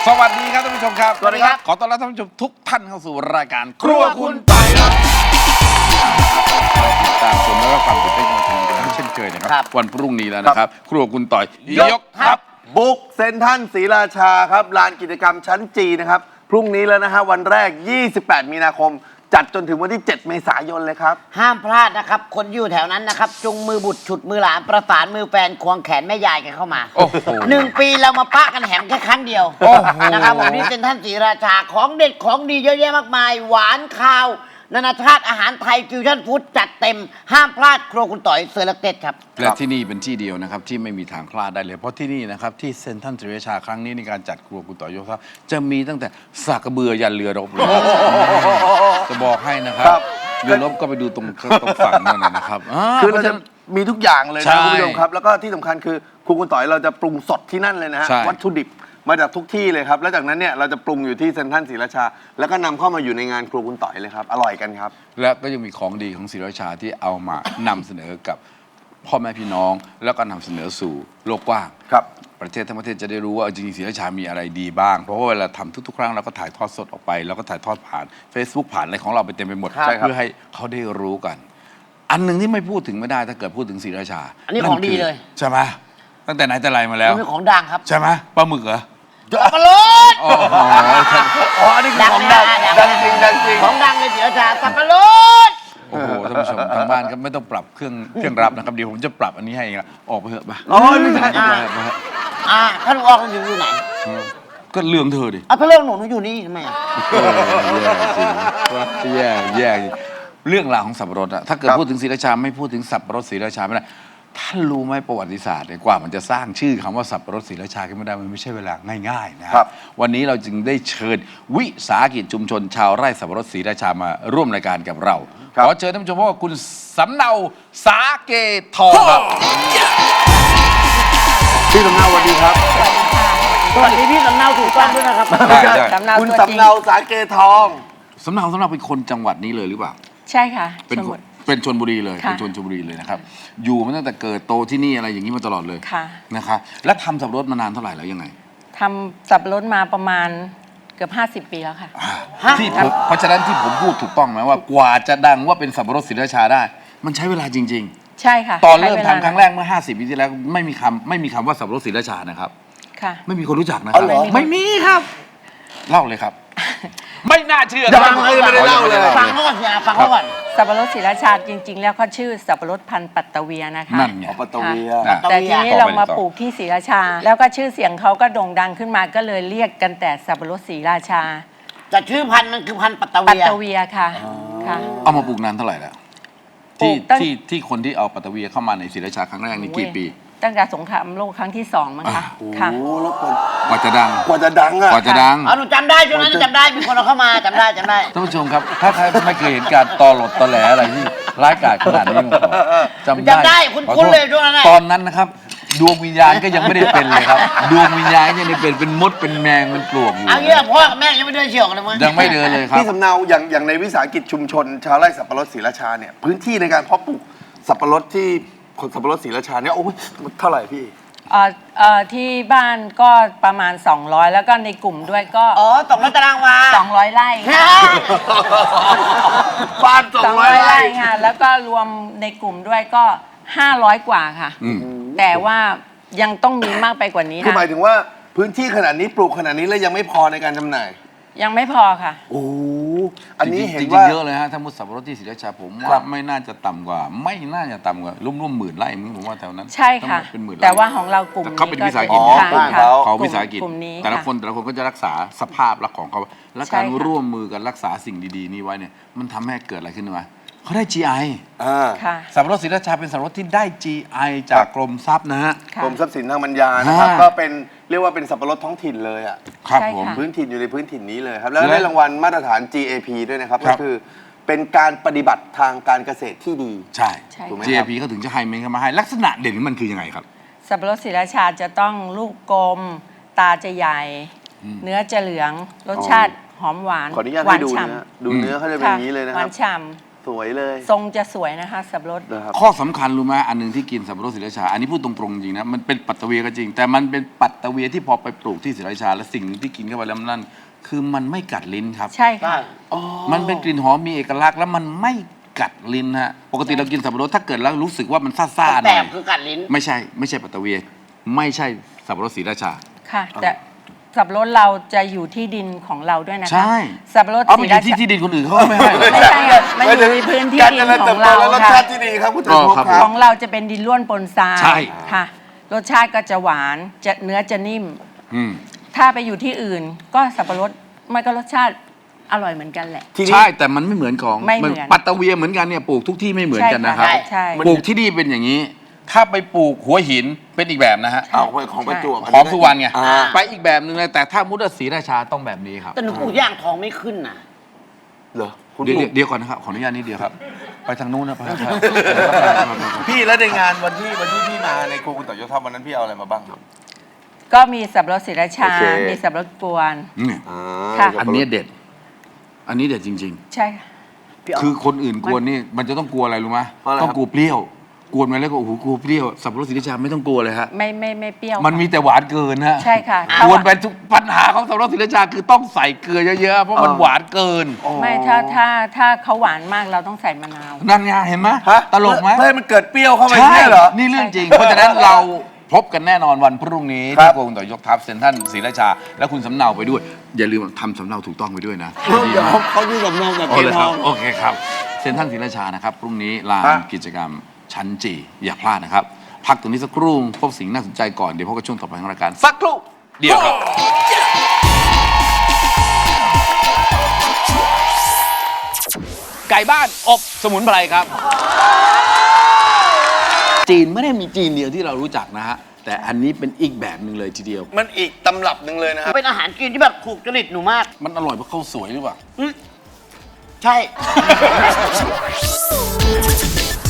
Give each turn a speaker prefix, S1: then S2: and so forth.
S1: สวัสดีครับท่านผู้ชมครับ
S2: สวัสดีครับ
S1: ขอต้อนรับท่านผู้ชมทุกท่านเข้าสู่รายการครัวคุณต่อยครับติดตามชมและรับฟังตื่นเต้นกันเช่นเคยนะครับวันพรุ่งนี้แล้วนะครับครัวคุณต่อยยกทัพ
S2: บุกเซ็นทรัลศรีราชาครับลานกิจกรรมชั้นจีนะครับพรุ่งนี้แล้วนะฮะวันแรก 28 มีนาคม จัดจนถึงวันที่ 7 เมษายนเลยครับ
S3: ห้ามพลาดนะครับ คนอยู่แถวนั้นนะครับ จุงมือบุตรฉุดมือหลานประสานมือแฟนควงแขนแม่ยายกันเข้ามา
S1: โอ้โห
S3: 1 ปีเรามาปะกันแหมแค่ครั้งเดียว
S1: โอ้โห
S3: นะครับผมที่เซ็นทรัลศรีราชาของเด็ดของดีเยอะแยะมากมาย หวานข้าวนานาชาติอาหารไทยฟิวชั่นฟู้ดจัดเต็มห้ามพลาดครัวคุณต่อยเสือเล็กเต็ดครับ
S1: และที่นี่เป็นที่เดียวนะครับที่ไม่มีทางพลาดได้เลยเพราะที่นี่นะครับที่เซ็นทรัลศรีราชาครั้งนี้ในการจัดครัวคุณต่อยกทัพจะมีตั้งแต่สากกระเบือยันเรือรบเลยจะบอกให้นะครับ
S2: ครับ
S1: เรือรบก็ไปดูตรงฝั่งนั่นนะครับ
S2: คือเราจะมีทุกอย่างเลย
S1: ใช่
S2: นะคุณผู้ชมครับ แล้วก็ที่สำคัญคือครูคุณต่อยเราจะปรุงสดที่นั่นเลยนะฮะ
S1: ใช่
S2: วัตถุดิบมาจากทุกที่เลยครับ แล้วจากนั้นเนี่ยเราจะปรุงอยู่ที่เซ็นทรัลศรีราชา แล้วก็นำเข้ามาอยู่ในงานครูคุณต่อยเลยครับอร่อยกันครับ
S1: และก็ยังมีของดีของศรีราชาที่เอามานำเสนอกับพ่อแม่พี่น้อง แล้วก็นำเสนอสู่โลกกว้าง
S2: ครับ
S1: ประเทศทั้งประเทศจะได้รู้ว่าจริงๆศรีราชามีอะไรดีบ้าง เพราะว่าเวลาทำทุกๆครั้งเราก็ถ่ายทอดสดออกไปแล้วก็ถ่ายทอดผ่าน Facebook ผ่านอะไรของเราไปเต็มไปหมด
S2: ใช่ครับ
S1: เพื่อให้เขาได้รู้กัน อันหนึ่งที่ไม่พูดถึงไม่ได้ถ้าเกิดพูดถึงศรีราชา
S3: อันนี้ของดีเลย
S1: ใช่ไหมตั้งแต่ไหนแต่ไรมาแล้ว
S3: นี่เป็นของดังครับ
S1: ใช่ไหมปลาหมึกเหรอ
S3: สับปะรด
S1: โอ้โห
S2: อ๋ออันนี้คือของดังดังจริงดังจริง
S3: ของดังในศรีราชาสับปะรด
S1: โอ้โหท่านผู้ชมทางบ้านก็ไม่ต้องปรับเครื่องรับนะครับเดี๋ยวผมจะปรับอันนี้ให้เองอะออกไปเถอะไป
S2: อ๋อไม่ใช่
S3: ท่านออกอยู่ไหน
S1: ก็เรื่องเธอดิ
S3: เอาถ้าเรื่องหนูอยู่นี่ทำไมอะ
S1: แย่จริงเรื่องราวของสับปะรดอะถ้าเกิดพูดถึงศรีราชาไม่พูดถึงสับปะรดศรีราชาไม่ได้ท่านรู้ไหมประวัติศาสตร์เนี่ยกว่ามันจะสร้างชื่อคำว่าสับปะรดศรีราชาขึ้นมาได้มันไม่ใช่เวลาง่ายๆนะค
S2: ครั
S1: รับบ วันนี้เราจึงได้เชิญวิสาหกิจชุมชน ชาวไร่สับปะรดศรีราชามาร่วมรายการกับเราขอเชิญท่านผู้ชมพบกับคุณสำเนาสาเกทองครับ
S2: พี่สำเนาสวัสดีครับ
S3: สวัสดีพี่สำเนาถูกต้องด้วยนะครับ
S4: สำเนา
S2: คุณ
S4: ตัวจริง
S2: สำเนาสาเกทอง
S1: สำเนาเป็นคนจังหวัดนี้เลยหรือเปล่า
S4: ใช่ค่ะ
S1: เป็น
S4: สมุด
S1: เป็นชนบุรีเลย
S4: ค่ะ
S1: เป็นชนบุรีเลยนะครับอยู่มาตั้งแต่เกิดโตที่นี่อะไรอย่างนี้มาตลอดเลย
S4: ค่ะ
S1: นะครับแล้วทำสับปะรดมานานเท่าไหร่แล้วยังไง
S4: ทำสับปะรดมาประมาณเกือบ50 ปีแล้วค่ะ
S1: ที่ผมเพราะฉะนั้นที่ผมพูดถูกต้องไหมว่ากว่าจะดังว่าเป็นสับปะรดศรีราชาได้ มันใช้เวลาจริง
S4: ใช่ค่ะ
S1: ๆ ตอนเริ่ม
S4: ใช้วลา
S1: ทำครั้งแรกเมื่อ 50 ปีที่แล้วไม่มีคำว่าสับปะรดศรีราชานะครับ
S4: ค่ะ
S1: ไม่มีคนรู้จักนะค
S2: อ๋
S1: รั
S2: อบ เหรอ
S1: ไม่มีครับ เล่าเลยครับ ไม่น่าเชื่อ
S2: ยังไม่ได้เล่าเลย
S3: ฟังเขาก่อนสิฟังเขาก่อน
S4: สับปะรดศรีราชาจริง ๆ แล้วเขาชื่อสับปะรดพันธุ์ปัตตะเวียนะคะ
S1: นั่นไง
S2: อ๋อปัตตะเวีย
S1: ค่ะ
S4: แต่ทีนี้
S1: ต่อไป
S4: เรามา
S1: ต่อ
S4: ปลูกที่ศรีราชา แล้วก็ชื่อเสียงเขาก็โด่งดังขึ้นมาก็เลยเรียกกันแต่สับปะรดศรีราชา
S3: แต่ชื่อพันธุ์มันคือพันธุ์ปัตตะ
S4: ปัต
S3: เวีย
S4: ตะเวียค่ะค่ะ
S1: เอามาปลูกนานเท่าไหร่แล้ว
S4: ปลู
S1: ที่
S4: กตั้ง
S1: ที่คนที่เอาปัตตะเวียเข้ามาในศรีราชาครั้งแรกนี่กี่ปี
S4: ตั้งแต่สงครามโลกครั้งที่2มั้งคะค่ะ
S2: โอ้แล้วก
S1: กว่าจะดัง
S2: ว่าจะดังอ่ะ
S1: กว่าจะดัง
S3: อ๋อหนูจำได้ช่วงนั้นจำได้มีคนเอาเข้ามาจำได้
S1: ท่านผู้ชมครับ ถ้าใครไม่เคยเห็นการตอหลดตอแหลอะไรที่ร้ายกาจขนาดนี้มาก่อนจำได้
S3: คุ้นๆเลยช่วงนั้นน่ะ
S1: ตอนนั้นนะครับ ดวงวิญญาณก็ยังไม่ได้เป็นเลยครับ ดวงวิญญาณยังไม่เป็นมดเป็นแมงเป็นปลวกอยู่
S3: เอางี้พ่อกับแม่ยังไม่เดินเฉียวกันเลยมั้ง
S1: ยังไม่เดินเลยครับ
S2: พี่สำเนาอย่างในวิสาหกิจชุมชน ชาวไร่สับปะรดศรีราชาเนี่ยพื้นที่ในการเพาะปลูกสับปะรดที่คนสับปะรดศรีราชาเนี่ยโอ้ยเท่าไหร่พี่
S4: ที่บ้านก็ประมาณ 200 แล้วก็ในกลุ่มด้วยก็
S3: อ๋อ200 ตารางวา
S4: 200 ไร่
S3: ฮะ
S2: บ้าน200
S4: ไร่ค่ะ แล้วก็รวมในกลุ่มด้วยก็ 500 กว่าค่ะ
S1: อืม
S4: แต่ว่ายังต้องมีมากไปกว่านี้
S2: คือหมา
S4: นะ
S2: ยถึงว่าพื้นที่ขนาดนี้ปลูกขนาดนี้แล้วยังไม่พอในการจำหน่าย
S4: ยังไม่พอค่ะ
S2: โอ้อันนี้เห็น
S1: จริง
S2: ว่า
S1: ๆเยอะเลยฮะถ้ามุดสับปะรดที่ศรีราชาผม
S2: ครั
S1: ว่า
S2: บ
S1: ไม่น่าจะต่ำกว่าร่วมหมื่นไร่มึงผมว่าแถวนั้น
S4: ใช่ค่ะ
S1: ต้องเป็นหมื่นไร่
S4: แต่ว่าของเรากลุ่ม
S1: แต่เขาเป็นวิสาหกิจ
S4: ก็จะ
S2: อ๋อ
S4: ค่ะ
S1: ของวิสาหกิจ
S4: กลุ่มนี้
S1: แต่ละ
S4: ค่ะ
S1: คนก็จะรักษาสภาพลักษณ์ของเขาและ
S4: ใช่
S1: การ
S4: ค่ะ
S1: ร่วมมือกันรักษาสิ่งดีๆนี้ไว้เนี่ยมันทำให้เกิดอะไรขึ้นรู้ไหมเขาได้ GI
S2: อ่า
S4: ค่ะ
S1: สับปะรดศรีราชาเป็นสับปะรดที่ได้ GI จากกรมทรัพย์นะฮะ
S4: ค่ะ
S2: กรมทรัพย์สินทางปัญญานะครับ
S1: อ่า
S2: ก็เป็นเรียกว่าเป็นสับปะรดท้องถิ่นเลยอ่ะ
S1: ครับ
S4: ใช่
S1: ผม
S4: ค่ะ
S2: พื้นถิ่นอยู่ในพื้นถิ่นนี้เลยครับ แล้ว
S1: และ
S2: ได้รางวัลมาตรฐาน GAP ด้วยนะครับ
S1: ครั
S2: ก็
S1: บ
S2: คือเป็นการปฏิบัติทางการเกษตรที่ดี
S1: ใช่
S4: ใช่
S2: ถูกไหม
S1: GAP เขาถึงจะให้เมนเข้ามาให้ลักษณะเด่นของมันคือยังไงครับ
S4: สับปะรดศรีราชาจะต้องลูกกลม ตาจะใหญ่ เนื้อจะเหลือง รสชาติหอมหวาน
S2: ขออนุญาต
S4: หวา
S2: ให้
S4: น
S2: ดู
S4: ฉ่
S2: นะฮะดูเนื้อเขาจะเป็นอย่างนี้เลยนะ
S4: ห
S2: คว
S4: า
S2: รับ
S4: นฉ่
S2: สวยเลย
S4: ทรงจะสวยนะคะสับปะรด
S2: นะครับ
S1: ข้อสำคัญรู้ไหมอันหนึ่งที่กินสับปะรดศรีราชา อันนี้พูดตรงๆจริงนะมันเป็นปัตตะเวียก็จริง แต่มันเป็นปัตตะเวียที่พอไปปลูกที่ศรีราชา และสิ่งหนึ่งที่กินเข้าไปแล้วนั่นคือมันไม่กัดลิ้นครับ
S4: ใช่ค่ะ
S1: มันเป็นกลิ่นหอมมีเอกลักษณ์แล้วมันไม่กัดลิ้นฮะปกติเรากินสับปะรดถ้าเกิดแล้วรู้สึกว่ามันซ่าๆห
S3: แส
S1: น่อย
S3: บคือกัดลิ้น
S1: ไม่ใช่ปัตตะเวียไม่ใช่สับปะรดศรีราชา
S4: ค่ะ แต่สับปะรดเราจะอยู่ที่ดินของเราด้วยนะคะ
S1: ใช่
S4: สับปะรด
S1: เอา
S4: ศ
S1: ไป
S4: รี
S1: อยู่
S4: รา
S1: ที่
S4: ชา
S1: ที่ดินคนอื่นเขาก็ไม่ให้หรอก
S4: ไม่ใช่ค่ะมันอยู่ในพื้นที่
S2: การ
S4: ดิ
S2: เจ
S4: น
S2: ริญ
S4: ข
S2: เติ
S4: อบ ง
S2: โต
S4: เรา
S2: และรส
S4: ค่ะ
S2: ชาติที่ดีครับคุณเถิด
S1: อ๋
S2: พ
S1: อง ครับ
S2: ครั
S4: ข
S2: บ
S4: องเราจะเป็นดินร่วนปนทราย
S1: ใช่
S4: ค่ะ รสชาติก็จะหวานจะเนื้อจะนิ่ม
S1: อืม
S4: ถ้าไปอยู่ที่อื่น ก็สับปะรดมันก็รสชาติอร่อยเหมือนกันแหละ
S2: ทีนี้
S1: ใช่แต่มันไม่เหมือนของ
S4: ไม่เหมือน
S1: ปัตตะเวียเหมือนกันเนี่ยปลูกทุกที่ไม่เหมือนกันนะครับ
S4: ใช่ค่ะใช่
S1: ปลูกที่นี่เป็นอย่างนี้ ถ้าไปปลูกหัวหินเป็นอีกแบบนะฮะ
S2: เอาไปของประจวบ
S1: ของสุวรรณไง
S2: อ่า
S1: ไปอีกแบบหนึ่งเลยแต่ถ้ามุดศรีราชาต้องแบบนี้ครับ
S3: แต่หนูปลูกย่างทองไม่ขึ้นนะ
S2: เหรอคุณ
S1: เดี๋ยว
S2: ปลูก
S1: เดี๋ยวก่อนนะครับขออนุญาตนิดเดียวครับ ไปทางนู้นนะไปครับ
S2: พี่แล้วในงานวันที่พี่มาในครัวคุณต่อยศวันนั้นพี่เอาอะไรมาบ้างครับ
S4: ก็มีสับปะรดศรีราชา
S2: โอเค
S4: มีสับปะรดกวน
S1: นี่
S4: ค่ะ
S1: อันนี้เด็ด อันนี้เด็ดจริง
S4: ใช่ค่ะ
S1: ๆ คือคนอื่นกวนนี่มันจะต้องกลัวอะไรรู้ไหม
S2: เพราะอะไรครับ
S1: ต้องกลัวเปรี้ยว กวนมาแล้วก็โอ้โหกลัวเปรี้ยวสับปะรดศรีราชาไม่ต้องกลัวเลยฮะ
S4: ไม่เปรี้ยว
S1: มันมีแต่หวานเกินฮะ
S4: ใช่ค่ะ
S1: กวนไปทุกปัญหาของสับปะรดศรีราชาคือต้องใส่เกลือเยอะๆเพราะมันหวานเกิน
S4: ไม่ถ้าเขาหวานมากเราต้องใส่มะนาว
S1: นั่นไงเห็นไหม
S2: ฮะ
S1: ตลกไหม
S2: เพื่อให้มันเกิดเปรี้ยวเข้าไป
S1: ใช่
S2: เนี่ยเหรอ
S1: นี่เรื่องจริง เพราะฉะนั้นเราพบกันแน่นอนวันพรุ่งนี้
S2: ครั
S1: ที่
S2: บ
S1: โกงต่อยกทัพเซ็นทรัลศรีราชา และคุณสำเนาไปด้วย อย่าลืมทำสำเนาถูกต้องไปด้วยนะ
S2: เดี๋ยวเขาดูสำนองแบบ
S1: โอ
S2: เก
S1: เค
S2: ท
S1: ครั
S2: อบ ง
S1: โอเคครับเซ็นทรัลศรีราชานะครับพรุ่งนี้ลาน
S2: ฮะ
S1: กิจกรรมชั้นจีอย่าพลาดนะครับ พักตรงนี้สักครู่พบสิ่งน่าสนใจก่อนเดี๋ยวพบกับช่วงต่อไปของรายการสักครู่เดียวครับ ไก่บ้านอบสมุนไพรครับ จีนไม่ได้มีจีนเดียวที่เรารู้จักนะฮะ แต่อันนี้เป็นอีกแบบหนึ่งเลยทีเดียว
S2: มันอีกตำรับหนึ่งเลยนะครับ
S3: เป็นอาหารจีนที่แบบถูกจริตหนูมาก
S1: มันอร่อยเพราะข้าวสวยหรือเปล่า
S3: ใช่